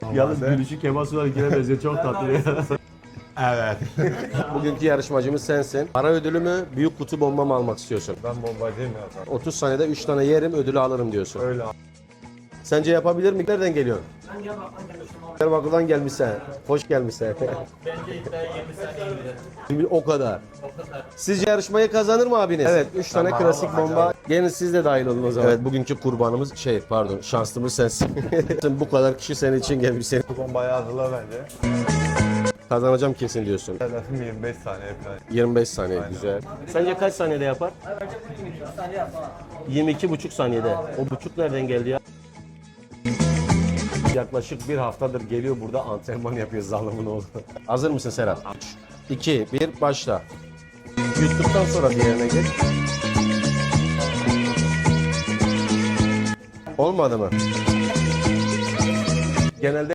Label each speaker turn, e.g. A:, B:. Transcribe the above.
A: Yalnız gülüşü Kemal Sunal'ınkine benziyor. Çok tatlı ya.
B: Evet.
A: Bugünkü yarışmacımız sensin. Para ödülü mü, büyük kutu bomba mı almak istiyorsun?
B: Ben bombacıyım ya.
A: 30 saniyede 3 tane yerim, ödülü alırım diyorsun.
B: Öyle.
A: Sence yapabilir mi? Nereden geliyorsun?
C: Ben Diyarbakır'dan gelmiştim abi.
A: Diyarbakır'dan gelmişsin. Hoş gelmişsin.
C: Bence iddia 20 saniye gider.
A: Şimdi o kadar.
C: O kadar.
A: Sizce yarışmayı kazanır mı abiniz? Evet, 3 tane
B: Tamam,
A: klasik
B: hadi.
A: bomba. Gelin siz de dahil olun o zaman. Evet, bugünkü kurbanımız şanslımız sensin. Bu kadar kişi senin için gelmiş. Seni
B: Bu bombayı hazırla bence.
A: kazanacağım kesin diyorsun.
B: Hedefim 25 saniye falan.
A: 25 saniye güzel. Sence kaç saniyede yapar?
C: Bence 22 saniye yapar.
A: 22,5 saniyede. O buçuk nereden geldi ya? Yaklaşık bir haftadır geliyor burada antrenman yapıyor zalimin oğlu. Hazır mısın Serhat? 2, 1, başla. Yuttuktan sonra diğerine geç. Olmadı mı? Genelde